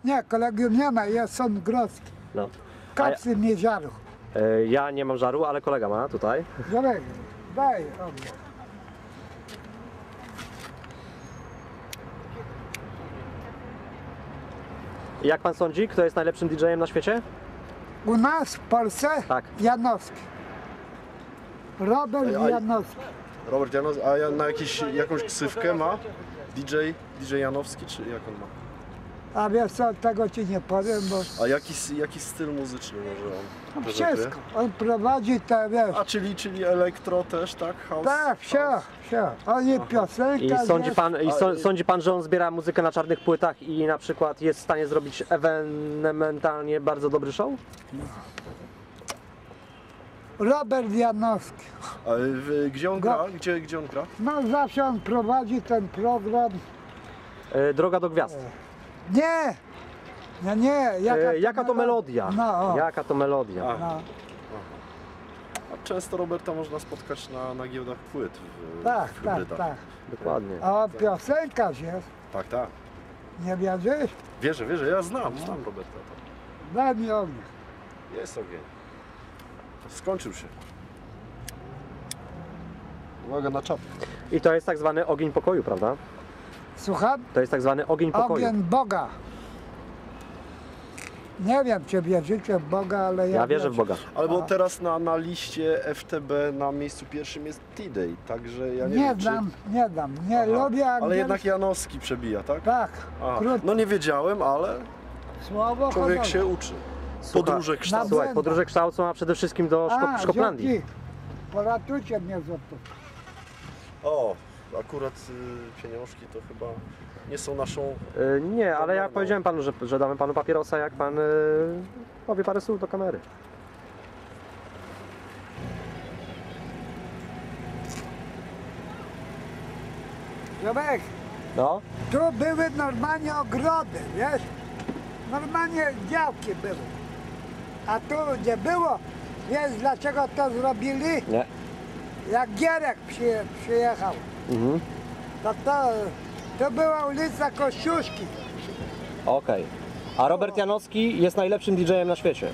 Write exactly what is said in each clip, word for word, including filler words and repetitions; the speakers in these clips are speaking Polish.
Nie, kolegów nie ma, jest są Grodzki. No. Kapsy ja, nie żaru. E, ja nie mam żaru, ale kolega ma tutaj. Żarek, daj ogień. Jak pan sądzi, kto jest najlepszym didżejem na świecie? U nas w Polsce Tak. Janowski. Robert A- a- Janowski. Robert Janowski, a ja na jakiś, jakąś ksywkę ma? D J, D J Janowski, czy jak on ma? A wiesz co, tego ci nie powiem, bo A jaki, jaki styl muzyczny może on no prezentuje? wszystko. On prowadzi te, wiesz, A czyli, czyli elektro też, tak? House? tak, wsio, house. wsio. On i I piosenka, sądzi wiesz, pan, i a- so, sądzi pan, że on zbiera muzykę na czarnych płytach i na przykład jest w stanie zrobić ewenementalnie bardzo dobry show? Robert Janowski. A w, gdzie on Go- gra? Gdzie, gdzie on gra? No zawsze on prowadzi ten program. E, Droga do gwiazd. Nie! Nie, nie, jaka, E, jaka to melodia? No, o, Jaka to melodia? A. no. A często Roberta można spotkać na, na giełdach płyt w, Tak, w tak, hybrydach. tak. Dokładnie. A on piosenkarz jest, Tak, tak. nie wierzysz? Wierzę, wierzę, ja znam, znam Roberta. Daj mi ogień. Jest ogień. Skończył się. Uwaga na czapkę. I to jest tak zwany ogień pokoju, prawda? Słucham? To jest tak zwany ogień pokoju. Ogień Boga. Nie wiem, czy wierzycie w Boga, ale ja Ja wierzę w Boga. Ale bo A. teraz na, na liście F T B na miejscu pierwszym jest T-Day, także ja nie, Nie, wiem, czy... dam, nie dam, nie Aha. lubię Ale angielski. jednak Janowski przebija, tak? Tak, Aha. krótko, No nie wiedziałem, ale słowo człowiek honoru. się uczy. Słucha- Podróże kształt. Słuchaj, podróże kształcą, a przede wszystkim do Szko A, Szkoplandii. dzięki. Poratujcie mnie za to. O, akurat y, pieniążki to chyba nie są naszą... E, nie, ale ja Dobra, no. powiedziałem panu, że, że damy panu papierosa, jak pan e, powie parę słów do kamery. Zobacz, No, tu były normalnie ogrody, wiesz? Normalnie działki były. A tu nie było. Wiesz dlaczego to zrobili? nie. Jak Gierek przy, przyjechał, Mhm. to, to to była ulica Kościuszki. Okej. A Robert Janowski jest najlepszym didżejem na świecie.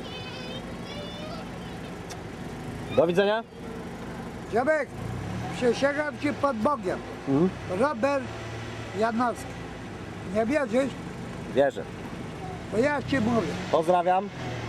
Do widzenia. Zobacz, przysięgam ci pod Bogiem. Mhm. Robert Janowski. Nie wierzysz? Wierzę. To ja ci mówię. Pozdrawiam.